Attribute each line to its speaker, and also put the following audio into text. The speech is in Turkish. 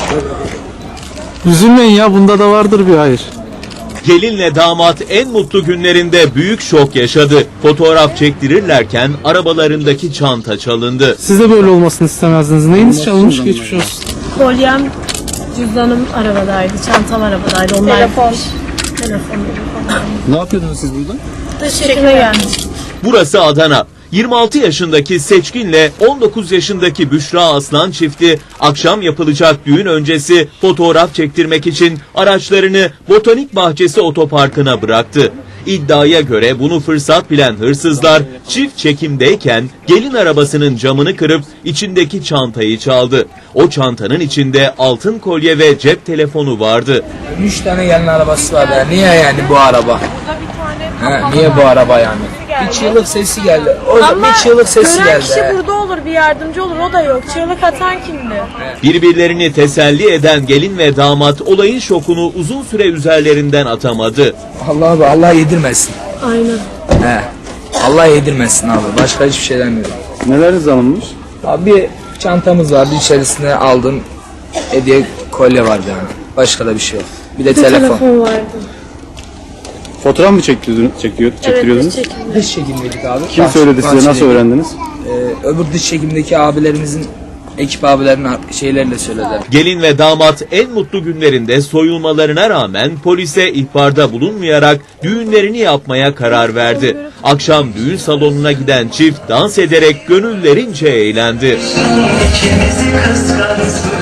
Speaker 1: Üzülmeyin ya, bunda da vardır bir hayır.
Speaker 2: Gelinle damat en mutlu günlerinde büyük şok yaşadı. Fotoğraf çektirirlerken arabalarındaki çanta çalındı.
Speaker 1: Siz de böyle olmasını istemezdiniz. Neyiniz çalınmış? Geçmiş olsun.
Speaker 3: Kolyem, cüzdanım arabadaydı, çantam arabadaydı. Onlar
Speaker 4: Telefon.
Speaker 3: Telefon.
Speaker 5: Ne yapıyordunuz siz burada?
Speaker 3: Dış çekime gelmiştim.
Speaker 2: Burası Adana. 26 yaşındaki Seçkin'le 19 yaşındaki Büşra Aslan çifti akşam yapılacak düğün öncesi fotoğraf çektirmek için araçlarını Botanik Bahçesi Otoparkı'na bıraktı. İddiaya göre bunu fırsat bilen hırsızlar çift çekimdeyken gelin arabasının camını kırıp içindeki çantayı çaldı. O çantanın içinde altın kolye ve cep telefonu vardı.
Speaker 6: 3 tane gelin arabası var ya. Niye yani bu araba? Niye bu araba yani? Bir çığlık sesi geldi. Bir çığlık sesi
Speaker 3: gören
Speaker 6: geldi.
Speaker 3: kişi burada olur, bir yardımcı olur, o da yok. Çığlık atan kimdi?
Speaker 2: Birbirlerini teselli eden gelin ve damat olayın şokunu uzun süre üzerlerinden atamadı.
Speaker 6: Allah yedirmesin.
Speaker 3: Aynen.
Speaker 6: Allah yedirmesin abi. Başka hiçbir şey demiyorum.
Speaker 5: Neleriniz alınmış?
Speaker 6: Abi bir çantamız vardı. İçerisine aldığım hediye kolye vardı yani. Başka da bir şey yok. Bir de telefon.
Speaker 3: vardı.
Speaker 5: Fotoğraf mı çektiriyordunuz?
Speaker 6: Dış çekimdeydik abi.
Speaker 5: Kim söyledi size? Nasıl öğrendiniz?
Speaker 6: Öbür dış çekimdeki abilerimizin, ekip abilerin şeylerle söylediler.
Speaker 2: Gelin ve damat en mutlu günlerinde soyulmalarına rağmen polise ihbarda bulunmayarak düğünlerini yapmaya karar verdi. Akşam düğün salonuna giden çift dans ederek gönüllerince eğlendi.
Speaker 7: İkimizi kıskansın.